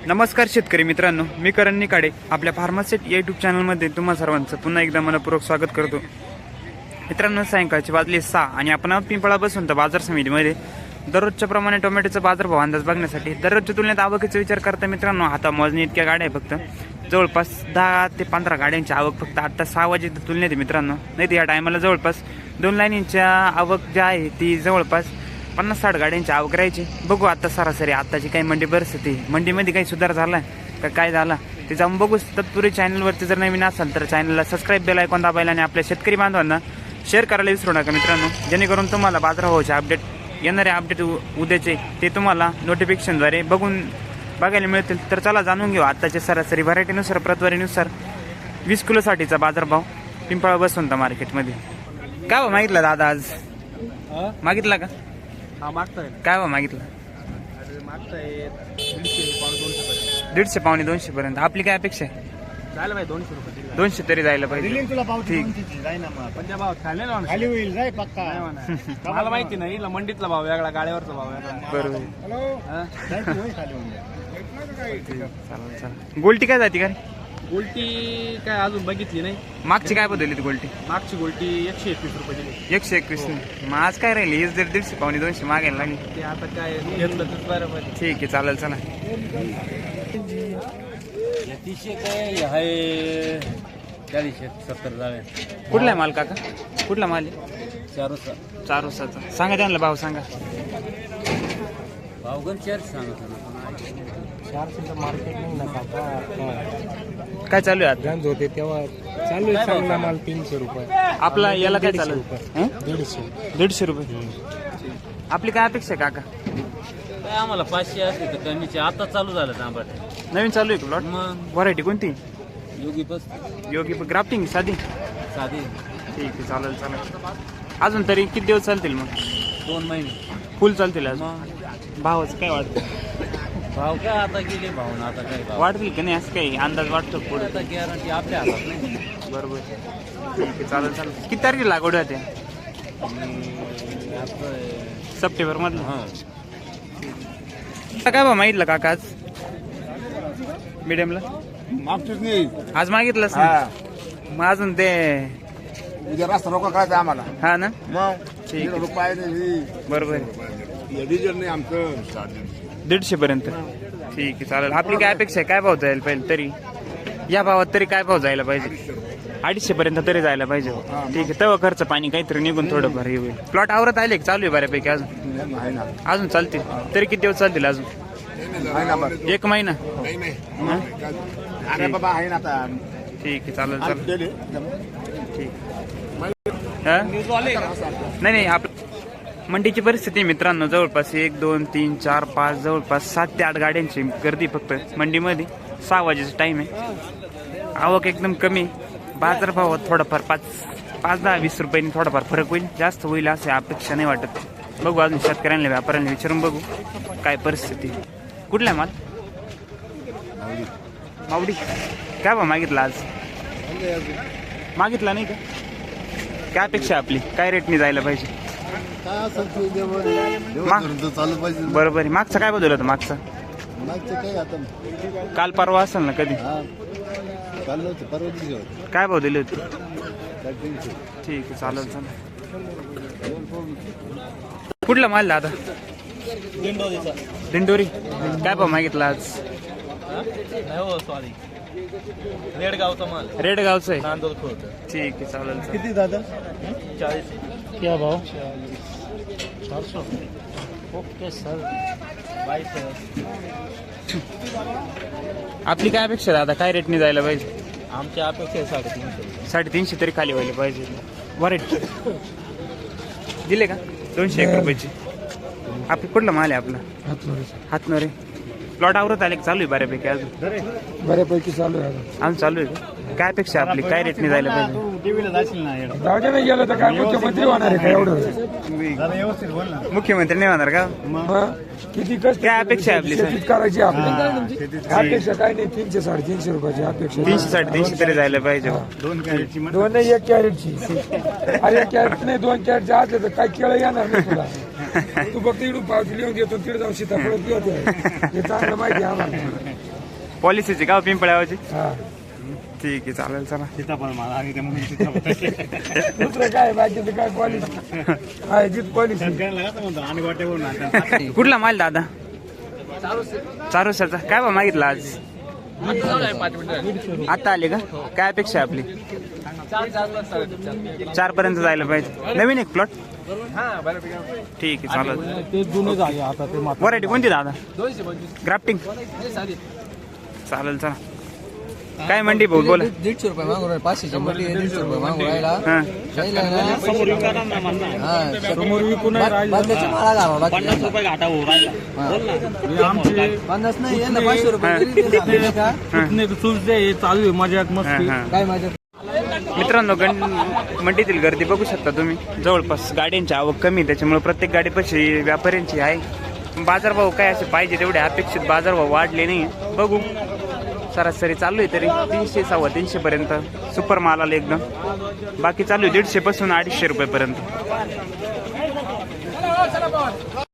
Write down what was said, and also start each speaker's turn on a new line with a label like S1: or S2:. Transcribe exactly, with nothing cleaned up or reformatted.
S1: नमस्कार शेतकरी मित्रांनो, मी करण निकाडे आपल्या फार्मासेट यूट्यूब चॅनलमध्ये तुम्हा सर्वांचं पुन्हा एकदा मनपूर्वक स्वागत करतो. मित्रांनो, सायंकाळची वाजली सहा आणि आपण पिंपळा बसून तर बाजार समितीमध्ये दररोजच्या प्रमाणे टोमॅटोचा बाजारभाव अंदाज बघण्यासाठी दररोजच्या तुलनेत आवकीचा विचार करता मित्रांनो, आता मोजणी इतक्या गाड्या आहे. फक्त जवळपास दहा ते पंधरा गाड्यांची आवक फक्त आता सहा वाजेच्या तुलनेत आहे मित्रांनो. नाही तर या टायमाला जवळपास दोन लाईनींच्या आवक ज्या आहे ती जवळपास पन्नास साठ गाड्यांची आवक राहायची. बघू आता सरासरी आताची काही मंडी परिस्थिती, मंडीमध्ये काही सुधार झाला का काय झाला ते जाऊन बघू. तत्पूर्वी चॅनलवरती जर नवीन असाल तर चॅनलला सबस्क्राईब बेल आयकॉन दाबायला आणि आपल्या शेतकरी बांधवांना शेअर करायला विसरू नका मित्रांनो, जेणेकरून तुम्हाला बाजारभावाचे अपडेट, येणारे अपडेट उद्याचे ते तुम्हाला नोटिफिकेशनद्वारे बघून बघायला मिळतील. तर चला जाणून घेऊ आताचे सरासरी व्हरायटीनुसार प्रतवारीनुसार वीस किलोसाठीचा बाजारभाव पिंपळा बसवंत मार्केटमध्ये. काय भाव मागितला दादा आज? मागितला का?
S2: हा मागताय.
S1: काय भाव मागितला?
S2: मागताय दीडशे पावणे दोनशे पर्यंत.
S1: दीडशे पावणे दोनशे पर्यंत. आपली काय अपेक्षा आहे?
S2: जायला पाहिजे दोनशे रुपये.
S1: दोनशे तरी जायला पाहिजे. ठीक.
S2: पण त्या भाव खाल्ले ना खाली होईल जाय पक्का. मला माहिती नाही, इला मंडीतला भाव वेगळा, गाड्यावरचा भाव वेगळा.
S1: बरोबर. चालेल चालेल. गोल्टी काय जाती का रे?
S2: गोल्टी काय अजून बघितली नाही.
S1: मागची काय बदलली ती गोल्टी?
S2: मागची गोल्टी एकशे एकवीस रुपये दिली.
S1: एकशे एकवीस. मग आज काय राहिली? हीच जर दीडशे पावणे दोनशे मागायला लागली.
S2: ते आता काय घेतलं तर बरोबर.
S1: ठीक आहे, चालेल. चला
S2: तीसशे काय आहे, चाळीसशे सत्तर जावे.
S1: कुठला आहे माल काका? कुठला माल आहे?
S2: चार
S1: चार उसाचा. सांगा त्यांना भाव सांगा.
S2: भावगण चारशे सांगा. चारशे मार्केट नाही ना काका.
S1: काय चालू आहे आता?
S2: गंज होते तेव्हा चालू आहे चांगला माल तीनशे रुपये.
S1: आपला याला काय चालू आहे?
S2: दीडशे
S1: दीडशे रुपये. आपली काय अपेक्षा आहे काका?
S2: काय आम्हाला पाचशे असते तर कमीचे. आता चालू झालं तांबट.
S1: नवीन चालू आहे का प्लॉट?
S2: मग
S1: व्हरायटी कोणती?
S2: योगी बस
S1: योगी ग्राफ्टिंग साधी.
S2: साधी.
S1: ठीक आहे, चालेल चालेल. अजून तरी किती दिवस चालतील मग?
S2: दोन महिने
S1: फुल चालतील अजून.
S2: मग
S1: भावाचं काय वाटतं?
S2: भाव काय आता गेले भाव ना, आता काय भाव
S1: वाढतील का नाही असं काही अंदाज वाटतो पुढे?
S2: आता गॅरंटी आपल्या हातात नाही.
S1: बरोबर. ठीक आहे, चालेल चालेल. किती तारखेला लागवड होते? सप्टेंबर मधलं.
S2: हां
S1: काय भाव मागितलं काका आज मीडियमला?
S3: मागतोच नाही.
S1: आज मागितलंच नाही. मग अजून ते
S3: उद्या रस्ता रोका करायचा आम्हाला.
S1: हा ना.
S3: मग
S1: ठीक आहे.
S3: रुपये नाही.
S1: बरोबर आहे.
S3: डिझेल नाही आमचं.
S1: दीडशे पर्यंत. ठीक आहे, चालेल. आपली काय अपेक्षा आहे? काय भाव जायला पाहिजे तरी या भावात? तरी काय भाव जायला पाहिजे? अडीचशे पर्यंत तरी जायला पाहिजे. ठीक आहे, तेव्हा खर्च पाणी काहीतरी निघून थोडं भर होईल. प्लॉट आवरत आले की चालू आहे बऱ्यापैकी? अजून
S3: आहे ना.
S1: अजून चालतील. तरी किती दिवस चालतील अजून?
S3: आहे ना बरं.
S1: एक महिना.
S3: नाही नाही. अरे बाबा आहे ना आता.
S1: ठीक आहे, चालेल
S3: आज
S1: चालेल.
S3: गेले.
S1: ठीक. हा? नाही नाही. आप मंडीची परिस्थिती मित्रांनो, जवळपास एक दोन तीन चार पाच जवळपास सात ते आठ गाड्यांची गर्दी फक्त मंडीमध्ये. सहा वाजेचा टाइम आहे. आवक एकदम कमी. बाजारभावात थोडाफार पाच पाच दहा वीस रुपयांनी थोडाफार फरक होईल, जास्त होईल असे अपेक्षा नाही वाटत. बघू अजून शेतकऱ्यांना व्यापाऱ्यांना विचारून बघू काय परिस्थिती. कुठला माल? मावडी. काय भाव मागितला आज? मागितला नाही का? काय अपेक्षा आपली? काय रेटने जायला पाहिजे?
S3: चालू पाहिजे.
S1: बरोबर आहे. मागचा काय बदल होता? मागचा
S3: काय आता
S1: काल परवा असेल ना कधी?
S3: काल नव्हतं, परवा दिवशी होतं.
S1: काय भाव दिले होते? ठीक आहे, चालेल चालेल. कुठला माल दादा? दिंडोरी. काय भाव मागितला आज?
S2: सॉरी रेडगावचा माल.
S1: रेडगावचं आहे.
S2: नांदोल खोत.
S1: ठीक आहे, चालेल चालेल.
S3: किती दादा?
S2: चाळीस.
S3: क्या भाव?
S2: चारशे. Okay sir. बाईस.
S1: आपली काय अपेक्षा आहे दादा? काय रेटने जायला पाहिजे?
S2: आमच्या अपेक्षा साडेतीनशे.
S1: साडेतीनशे तरी खाली व्हायला पाहिजे. वरायटी दिले का? दोनशे एक रुपयाची. आपली कुठला माल आहे आपला? हातनोरे. प्लॉट आवरत आले चालू आहे बऱ्यापैकी? अजून
S3: बऱ्यापैकी चालू आहे.
S1: अजून चालू आहे का? काय अपेक्षा आपली? काय रेटने जायला पाहिजे?
S2: टीव्हीला जाशील ना.
S3: जाऊ नाही गेलं तर काय मुख्यमंत्री होणार आहे का एवढं?
S2: व्यवस्थित बोल ना.
S1: मुख्यमंत्री नाही होणार का?
S3: किती कष्ट
S1: काय अपेक्षा आहे आपली?
S3: शेतीत करायची आपली अपेक्षा काय नाही. तीनशे साडेतीनशे रुपयाची अपेक्षा.
S1: तीनशे साडेतीनशे तरी जायला पाहिजे.
S2: दोन कॅरेटची
S3: दोन नाही, एक कॅरेटची. अरे एक कॅरेट नाही, दोन कॅरेटचे असले तर काय केळं येणार नाही तुला. तू फक्त इकडून पावती लिहून देतो, तिकडे जाऊन सीताफळ घेतो. हे चांगलं माहिती आहे आम्हाला.
S1: पॉलिसीची का पिंपळ्यावरची
S3: हा
S1: ठीक आहे चालेल चला
S2: सीताफळ मला आणि त्या म्हणून सीताफळ
S3: दुसरं काय बाकीचं काय पॉलिसी आहे जीत पॉलिसी
S2: म्हणतो आणि वाटेवरून आणतात.
S1: कुठला माल दादा चारू सरचा काय बा मागितला आज आता आले का काय अपेक्षा आहे आपली चार पर्यंत जायला पाहिजे नवीन एक प्लॉट ठीक आहे चालेल
S2: ते जुने झाले आता ते मात्र
S1: व्हरायटी कोणती दादा ग्राफ्टिंग चालेल चला काय मंडी भाऊ बोला
S4: दीडशे रुपये मागून राहिले पाचशेची मोठी आहे, दीडशे रुपये मागून राहिला
S1: हा
S4: राहिला ना.
S2: समोर विकायला म्हणणार
S4: हा,
S2: समोर विकून नाही राहिलं.
S4: बादल्याची माळा घालावा लागते.
S2: पन्नास रुपये घाटा हो राहिला बोल ना आमची
S4: पन्नास नाही यांना पाचशे रुपये तरी ते झाले का?
S2: कितने चुलते हे चालू आहे मजाक मस्ती
S1: हा, हा.
S4: काय माझ्या
S1: मित्रांनो गण मंडीतील गर्दी बघू शकता तुम्ही जवळपास गाड्यांची आवक कमी आहे, त्याच्यामुळे प्रत्येक गाडीपाशी व्यापाऱ्यांची आहे बाजारभाव काय असे पाहिजे तेवढे अपेक्षित बाजारभाव वाढले नाही बघू सरासरी चालू आहे तरी तीनशे सव्वा तीनशे पर्यंत सुपर माल आला एकदम बाकी चालू आहे दीडशे पासून अडीचशे रुपये पर्यंत